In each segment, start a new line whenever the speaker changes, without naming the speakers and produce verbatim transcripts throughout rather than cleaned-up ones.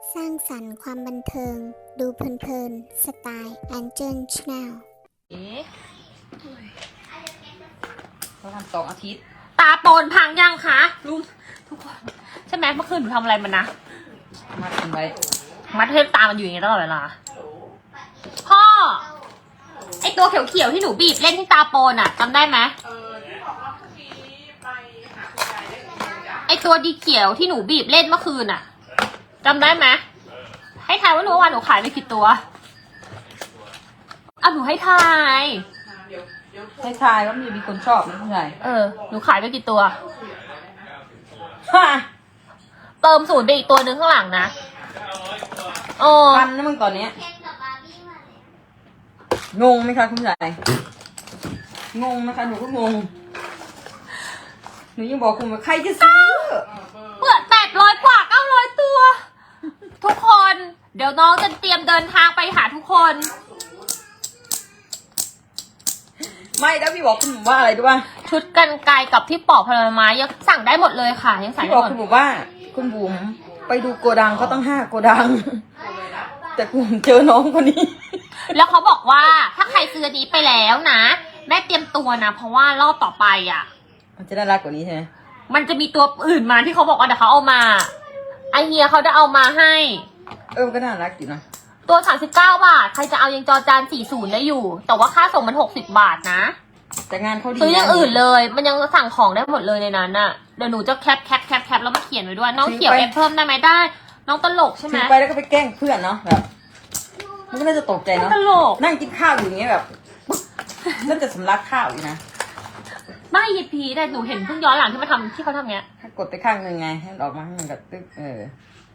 สร้างสรรค์ความบันเทิง ดูเพลินๆ สไตล์แอนเจิลชาแนล
เอ๊ะ
เขาทำสองอาทิตย์
ตาโปนพังยังคะลุงทุกคนใช่ไหมเมื่อคืนหนูทำอะไรมันนะ
มัดกันไว้
มัดเทปตามันอยู่อย่างเงี้ยตลอดเวลาพ่อไอตัวเขียวๆที่หนูบีบเล่นที่ตาโปนอะจำได้ไหมไอตัวดีเขียวที่หนูบีบเล่นเมื่อคืนอะจำได้ไหมให้ทายว่าหนูวันหนูขายไปกี่ตัวอ่ะหนูให้ทาย
ให้ทายว่ามันจะมีคนชอบไหมผู้ชาย
เออหนูขายไปกี่ตัว
ฮ่า
เติมศูนย์ไปอีกตัวหนึ่งข้างหลังนะโอ้
พันนะมึงตอนเนี้ยงงไหมคะคุณชายงงนะคะหนูก็งงหนูยังบอกคุณว่าใครจะซื้อ
เปิดแปดร้อยกว่าเก้าร้อยตัว ทุกคน เดี๋ยวน้องจะเตรียมเดินทางไปหาทุกคน
ไม่แล้วพี่บอกคุณหมูว่าอะไรด้วยว่า
ชุดกันไกลกับที่ปอกผลไม้ยังสั่งได้หมดเลยค่ะ ยังสั่ง
พี่
ได้
บอก
หมด
คุณหมูว่าคุณบุ๋มไปดูโกดังเขาต้องห้าโกดัง แต่กูเจอน้องคนนี้
แล้วเขาบอกว่าถ้าใครซื้ออันนี้ไปแล้วนะแม่เตรียมตัวนะ เพราะว่ารอบต่อไปอ่ะ
มันจะน่ารักกว่านี้ใช่ไหม
มันจะมีตัวอื่นมาที่เขาบอกว่าเดี๋ยวเขาเอามาไอเฮียเขาจะเอามาให้
เออมันก็น่ารักอยู่นะ
ตัวสามสิบเก้าบาท ใครจะเอายังจอจานสี่สิบได้อยู่ แต่ว่าค่าส่งมันหกสิบบาทนะ
แต่งานเขาดี
ซื้ออย่างอื่นเลย มันยังสั่งของได้หมดเลยในนั้นน่ะ เดี๋ยวหนูจะแคปแคปแคปแคปแล้วมาเขียนไว้ด้วย น้องเขียวเอฟเพิ่มได้ไหมได้ น้องตลกใช่ไหม
ถือไปแล้วก็ไปแกล้งเพื่อนเนาะแบบมันก็น่าจะตกใจเนาะ
ตลก
นั่งกินข้าวอยู่อย่างเงี้ยแบบน่าจะสำลักข้าวอยู่นะ
ไม่ยีพีแต่หนูเห็นเพิ่งย้อนหลังที่มาทำที่เขาทำเนี้ย
ถ้ากดไปข้างหนึ่งไงให้มันออกมาให้มันกับตึ๊กเออ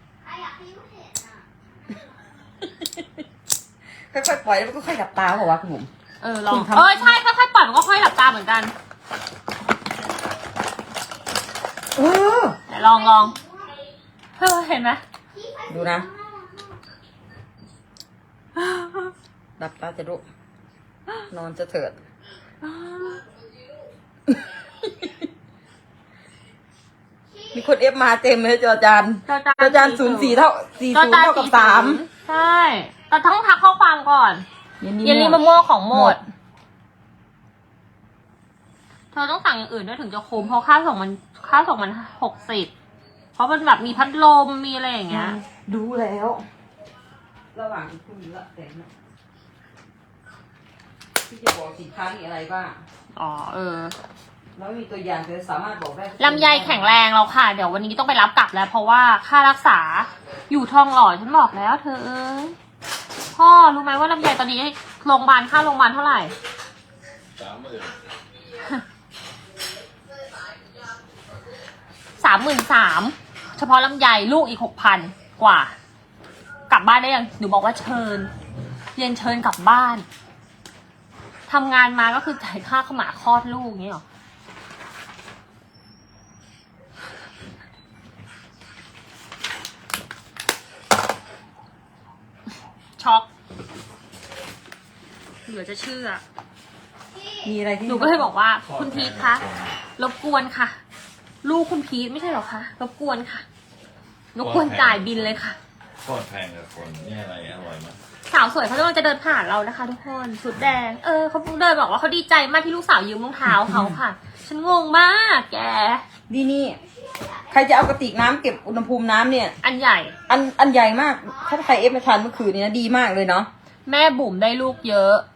ค่อยๆปล่อยแล้วมันก็ค่อยหลับตาบอกว่าคุณบุ๋ม
เออลอง
คุณทำ
เออใช่ค่อยๆปล่อยมันก็ค่อยหลับตาเหมือนกัน
เออ
แต่ลองลองเฮ้ยเห็นไหม
ดูนะหลับตาจะลุกนอนจะเถิดมีคนเอฟมาเต็มเลยจอจาน
จอจาน
จอจานศูนย์สี่เท่าสี่
จอ
ศูนย์
จาน
เท่ากับ
สี่
สาม
ใช่แต่ต้องทักข้อความก่อน เยลลี่มะม่วงของหมด เธอต้องสั่งอย่างอื่นด้วยถึงจะคุ้มเพราะค่าส่งมันค่าส่งมันหกสิบเพราะมันแบบมีพัดลมมีอะไรอย่างเงี้ย
ดูแล้ว ระหว่างที่คุณละแต่งนะที่จะบอกสินค้ามีอะไรบ้าง
อ๋อเออ
แล้วมีตัวอย่างจะสามารถบอกได้
ลำไยแข็งแรงแล้วค่ะ เดี๋ยววันนี้ต้องไปรับกลับแล้ว เพราะว่าค่ารักษาอยู่ทองหล่อฉันบอกแล้ว เธอเอ้ยพ่อรู้ไหมว่าลำไยตอนนี้โรงพยาบาลค่าโรงพยาบาลเท่าไหร่
สามหมื่น
สามหมื่นสามเฉพาะลำไยลูกอีกหกพันกว่า กลับบ้านได้ยังหนูบอกว่าเชิญเรียนเชิญกลับบ้านทำงานมาก็คือจ่ายค่าขมาคลอดลูกอย่างนี้หรอช็อกเหลือจะเชื่อ
มีอะไรที่
หนูก็เลยบอกว่าคุณพีทคะรบกวนค่ะ ลูกคุณพีทไม่ใช่หรอคะรบกวนค่ะรบกวนจ่ายบินเลยค่ะ
โคตรแพงกับคนนี่อะไรอร่อยมาก
สาวสวยเขากำลังจะเดินผ่านเรานะคะ ทุกคนสุดแดงเออเขาเดินบอกว่าเขาดีใจมากที่ลูกสาวยืมรองเท้าเขาค่ะ ฉันงงมากแก
ดีนี่ ใครจะเอากระติกน้ำเก็บอุณหภูมิน้ำเนี่ย
อันใหญ่
อันอันใหญ่มาก ถ้าใครเอฟมาทานเมื่อคืนนี้นะดีมากเลยเนาะ
แม่บุ๋มได้ลูกเยอะ